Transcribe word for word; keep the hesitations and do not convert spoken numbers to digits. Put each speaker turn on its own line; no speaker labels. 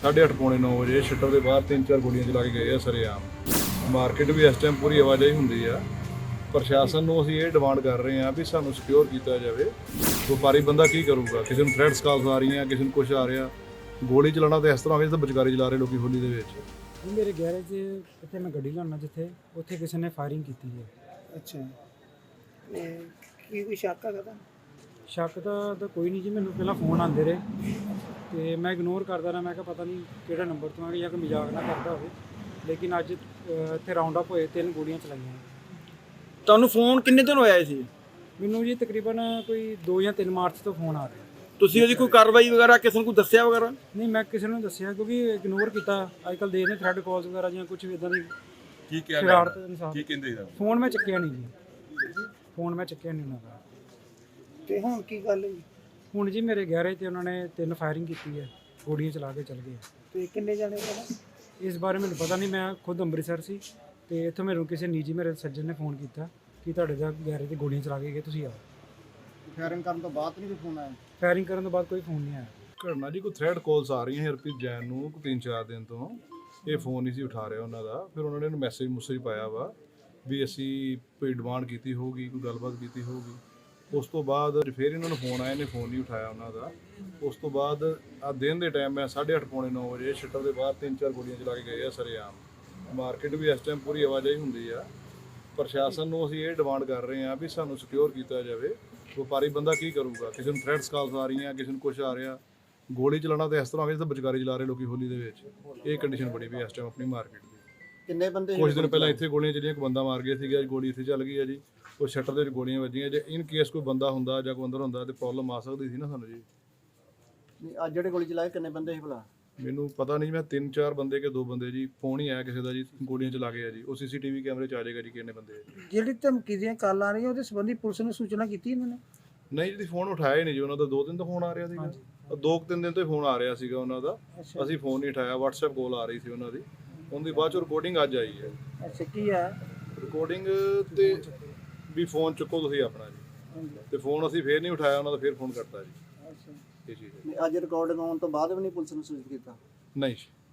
साढ़े अठ पौने नौ बजे शटर के बाहर तीन चार गोलियां चला के गए सरेआम। मार्केट भी इस टाइम पूरी आवाजाही होंगी है। प्रशासन ਨੂੰ ਅਸੀਂ ਇਹ ਡਿਮਾਂਡ ਕਰ ਰਹੇ ਹਾਂ ਵੀ ਸਾਨੂੰ ਸਿਕਿਉਰ ਕੀਤਾ ਜਾਵੇ। ਵਪਾਰੀ ਬੰਦਾ ਕੀ ਕਰੂਗਾ? ਕਿਸੇ ਨੂੰ ਥ੍ਰੈਟਸ ਕਾਲਸ ਆ ਰਹੀਆਂ, ਕਿਸੇ ਨੂੰ ਕੁਛ ਆ ਰਿਹਾ। ਗੋਲੀ ਚਲਾਉਣਾ ਤਾਂ ਇਸ ਤਰ੍ਹਾਂ ਹੋਵੇ ਜਿੱਦਾਂ ਬਚਕਾਰੀ ਚਲਾ ਰਹੇ ਲੋਕੀ ਹੋਲੀ ਦੇ ਵਿੱਚ।
ਮੇਰੇ ਗੈਰੇਜ ਇੱਥੇ ਮੈਂ ਗੱਡੀ ਲਾਉਣਾ ਜਿੱਥੇ ਉੱਥੇ ਕਿਸੇ ਨੇ ਫਾਇਰਿੰਗ ਕੀਤੀ ਹੈ।
ਅੱਛਾ ਤੇ ਕੀ ਕੋਈ ਸ਼ੱਕ ਹੈਗਾ ਤਾਂ?
ਸ਼ੱਕ ਤਾਂ ਤਾਂ ਕੋਈ ਨਹੀਂ ਜੀ, ਮੈਨੂੰ ਪਹਿਲਾਂ ਫੋਨ ਆਉਂਦੇ ਰਹੇ ਤੇ ਮੈਂ ਇਗਨੋਰ ਕਰਦਾ ਰਿਹਾ। ਮੈਂ ਕਿਹਾ ਪਤਾ ਨਹੀਂ ਕਿਹੜਾ ਨੰਬਰ ਤੋਂ ਆ ਜਾਂ ਕੋਈ ਮਜ਼ਾਕ ਨਾ ਕਰਦਾ ਹੋਵੇ, ਲੇਕਿਨ ਅੱਜ ਅ, ਇੱਥੇ ਰਾਉਂਡ ਅਪ ਹੋਏ, ਤਿੰਨ ਗੋਲੀਆਂ ਚਲਾਈਆਂ।
ਤੁਹਾਨੂੰ ਫੋਨ ਕਿੰਨੇ ਦਿਨ ਹੋਇਆ ਸੀ?
ਮੈਨੂੰ ਜੀ ਤਕਰੀਬਨ ਕੋਈ ਦੋ ਜਾਂ ਤਿੰਨ ਮਾਰਚ ਤੋਂ ਫੋਨ ਆ ਰਿਹਾ।
ਤੁਸੀਂ ਉਹਦੀ ਕੋਈ ਕਾਰਵਾਈ ਵਗੈਰਾ ਕਿਸੇ ਨੂੰ ਕੋਈ ਦੱਸਿਆ ਵਗੈਰਾ?
ਨਹੀਂ, ਮੈਂ ਕਿਸੇ ਨੂੰ ਦੱਸਿਆ ਕਿਉਂਕਿ ਇਗਨੋਰ ਕੀਤਾ। ਅੱਜ ਕੱਲ੍ਹ ਦੇ ਨੇ ਥ੍ਰੈਡ ਕਾਲਸ ਵਗੈਰਾ ਜਾਂ ਕੁਝ ਵੀ ਇਦਾਂ ਦੀ
ਕੀ ਕਿਹਾ
ਸ਼ਰਾਰਤ ਇਨਸਾਨ।
ਕੀ ਕਹਿੰਦੇ ਸੀ?
ਫੋਨ ਮੈਂ ਚੱਕਿਆ ਨਹੀਂ ਜੀ, ਫੋਨ ਮੈਂ ਚੱਕਿਆ ਨਹੀਂ ਉਹਨਾਂ ਦਾ।
ਤੇ ਹੁਣ ਕੀ ਗੱਲ ਹੋਈ?
ਹੁਣ ਜੀ ਮੇਰੇ ਗੈਰੇਜ ਤੇ ਉਹਨਾਂ ਨੇ ਤਿੰਨ ਫਾਇਰਿੰਗ ਕੀਤੀ ਹੈ, ਗੋਲੀਆਂ ਚਲਾ ਕੇ ਚਲ ਗਏ।
ਤੇ ਕਿੰਨੇ ਜਾਣੇ ਪਤਾ?
ਇਸ ਬਾਰੇ ਮੈਨੂੰ ਪਤਾ ਨਹੀਂ, ਮੈਂ ਖੁਦ ਅੰਮ੍ਰਿਤਸਰ ਸੀ ਤੇ ਇੱਥੋਂ ਮੈਨੂੰ ਕਿਸੇ ਨਿੱਜੀ ਮੇਰੇ ਸੱਜਣ ਨੇ ਫੋਨ ਕੀਤਾ ਕਿ ਤੁਹਾਡੇ ਦਾ ਗੈਰੇਜ ਤੇ ਗੋਲੀਆਂ ਚਲਾ ਕੇ ਗਏ, ਤੁਸੀਂ ਆਓ।
ਫਾਇਰਿੰਗ ਕਰਨ ਤੋਂ ਬਾਅਦ ਨਹੀਂ ਕੋਈ ਫੋਨ ਆਇਆ?
ਫਾਇਰਿੰਗ ਕਰਨ ਤੋਂ ਬਾਅਦ ਕੋਈ ਫੋਨ ਨਹੀਂ ਆਇਆ।
ਘਟਨਾ ਜੀ ਕੋਈ ਥ੍ਰੈਡ ਕਾਲਸ ਆ ਰਹੀਆਂ ਹਰਪ੍ਰੀਤ ਜੈਨ ਨੂੰ ਕੋਈ ਤਿੰਨ ਚਾਰ ਦਿਨ ਤੋਂ। ਇਹ ਫੋਨ ਨਹੀਂ ਸੀ ਉਠਾ ਰਿਹਾ ਉਹਨਾਂ ਦਾ। ਫਿਰ ਉਹਨਾਂ ਨੇ ਇਹਨੂੰ ਮੈਸੇਜ ਮੁਸੇਜ ਪਾਇਆ ਵਾ ਵੀ ਅਸੀਂ ਕੋਈ ਡਿਮਾਂਡ ਕੀਤੀ ਹੋਊਗੀ, ਕੋਈ ਗੱਲਬਾਤ ਕੀਤੀ ਹੋਊਗੀ। ਉਸ ਤੋਂ ਬਾਅਦ ਫਿਰ ਇਹਨਾਂ ਨੂੰ ਫੋਨ ਆਇਆ, ਇਹਨੇ ਫੋਨ ਨਹੀਂ ਉਠਾਇਆ ਉਹਨਾਂ ਦਾ। ਉਸ ਤੋਂ ਬਾਅਦ ਆ ਦਿਨ ਦੇ ਟਾਈਮ ਮੈਂ ਸਾਢੇ ਅੱਠ ਪੌਣੇ ਨੌ ਵਜੇ ਸ਼ਟਰ ਦੇ ਬਾਹਰ ਤਿੰਨ ਚਾਰ ਗੋਲੀਆਂ ਚਲਾ ਕੇ ਗਏ ਆ ਸਰੇਆਮ। ਮਾਰਕੀਟ ਵੀ ਇਸ ਟਾਈਮ ਪੂਰੀ ਆਵਾਜਾਈ ਹੁੰਦੀ ਆ। ਪ੍ਰਸ਼ਾਸਨ ਨੂੰ ਅਸੀਂ ਇਹ ਡਿਮਾਂਡ ਕਰ ਰਹੇ ਹਾਂ ਵੀ ਸਾਨੂੰ ਸਿਕਿਉਰ ਕੀਤਾ ਜਾਵੇ। ਵਪਾਰੀ ਬੰਦਾ ਕੀ ਕਰੂਗਾ? ਕਿਸੇ ਨੂੰ ਥ੍ਰੈਟਸ ਕਾਲਸ ਆ ਰਹੀਆਂ, ਕਿਸੇ ਨੂੰ ਕੁਛ ਆ ਰਿਹਾ। ਗੋਲੀ ਚਲਾਉਣਾ ਤਾਂ ਇਸ ਤਰ੍ਹਾਂ ਹੋਵੇ ਜਿੱਦਾਂ ਬਚਕਾਰੀ ਚਲਾ ਰਹੇ ਲੋਕੀ ਹੋਲੀ ਦੇ ਵਿੱਚ। ਇਹ ਕੰਡੀਸ਼ਨ ਬਣੀ ਵੀ ਇਸ ਟਾਈਮ ਆਪਣੀ ਮਾਰਕੀਟ ਦੀ।
ਕਿੰਨੇ ਬੰਦੇ?
ਕੁਝ ਦਿਨ ਪਹਿਲਾਂ ਇੱਥੇ ਗੋਲੀਆਂ ਚੱਲੀਆਂ, ਇੱਕ ਬੰਦਾ ਮਾਰ ਗਿਆ ਸੀਗਾ। ਅੱਜ ਗੋਲੀ ਇੱਥੇ ਚੱਲ ਗਈ ਹੈ ਜੀ। ਉਹ ਸ਼ਟਰ ਦੇ ਵਿੱਚ ਗੋਲੀਆਂ ਵੱਜੀਆਂ। ਜੇ ਇਨ ਕੇਸ ਕੋਈ ਬੰਦਾ ਹੁੰਦਾ ਜਾਂ ਕੋਈ ਅੰਦਰ ਹੁੰਦਾ ਤੇ ਪ੍ਰੋਬਲਮ ਆ ਸਕਦੀ ਸੀ ਨਾ ਸਾਨੂੰ ਜੀ।
ਨਹੀਂ, ਅੱਜ ਜਿਹੜੇ ਗੋਲੀ ਚਲਾਏ ਕਿੰਨੇ ਬੰਦੇ ਸੀ ਭਲਾ?
ਮੈਨੂੰ ਪਤਾ ਨਹੀਂ, ਮੈਂ ਤਿੰਨ ਚਾਰ ਬੰਦੇ ਕਿ ਦੋ ਬੰਦੇ ਜੀ। ਫੋਨ ਹੀ ਆਇਆ ਕਿਸੇ ਦਾ ਜੀ, ਗੋਲੀਆਂ ਚਲਾ ਗਏ ਆ ਜੀ। ਉਹ ਸੀਸੀਟੀਵੀ ਕੈਮਰੇ 'ਚ ਆ ਜਾਏਗਾ ਜੀ ਕਿੰਨੇ ਬੰਦੇ ਆ ਜੀ।
ਜਿਹੜੀ ਧਮਕੀ ਦੀਆਂ ਕਾਲਾਂ ਆ ਰਹੀਆਂ ਉਹਦੇ ਸੰਬੰਧੀ ਪੁਲਿਸ ਨੂੰ ਸੂਚਨਾ ਕੀਤੀ ਇਹਨਾਂ ਨੇ?
ਨਹੀਂ ਜੀ, ਫੋਨ ਉਠਾਇਆ ਹੀ ਨਹੀਂ ਜੀ ਉਹਨਾਂ ਦਾ। ਦੋ ਦਿਨ ਤੋਂ ਫੋਨ ਆ ਰਿਹਾ ਸੀਗਾ। ਦੋ ਕੁ ਤਿੰਨ ਦਿਨ ਤੋਂ ਹੀ ਫੋਨ ਆ ਰਿਹਾ ਸੀਗਾ ਉਹਨਾਂ ਦਾ। ਅਸੀਂ ਫੋਨ ਨਹੀਂ ਉਠਾਇਆ। WhatsApp ਕਾਲ ਆ ਰਹੀ ਸੀ ਉਹਨਾਂ ਦੀ। ਉਹਦੀ ਬਾਅਦ 'ਚ ਰਿਕਾਰਡਿੰਗ ਅੱਜ ਆਈ ਹੈ।
ਅੱਛਾ, ਕੀ ਆ
ਰਿਕਾਰਡਿੰਗ ਤੇ ਵੀ ਫੋਨ ਚੁੱਕੋ ਤੁਸੀਂ ਆਪਣਾ ਜੀ। ਤੇ ਫੋਨ ਅਸੀਂ ਫੇਰ ਨਹੀਂ ਉਠਾਇਆ ਉਹਨਾਂ ਦਾ, ਫੇਰ ਫੋਨ ਕਰਤਾ ਜੀ।
ਅੱਛਾ,
ਇਹ ਚੀਜ਼ ਹੈ।
ਅੱਜ ਰਿਕਾਰਡਿੰਗ ਆਉਣ ਤੋਂ ਬਾਅਦ ਵੀ ਨਹੀਂ ਪੁਲਿਸ ਨੂੰ ਸੂਚਿਤ ਕੀਤਾ?
ਨਹੀਂ।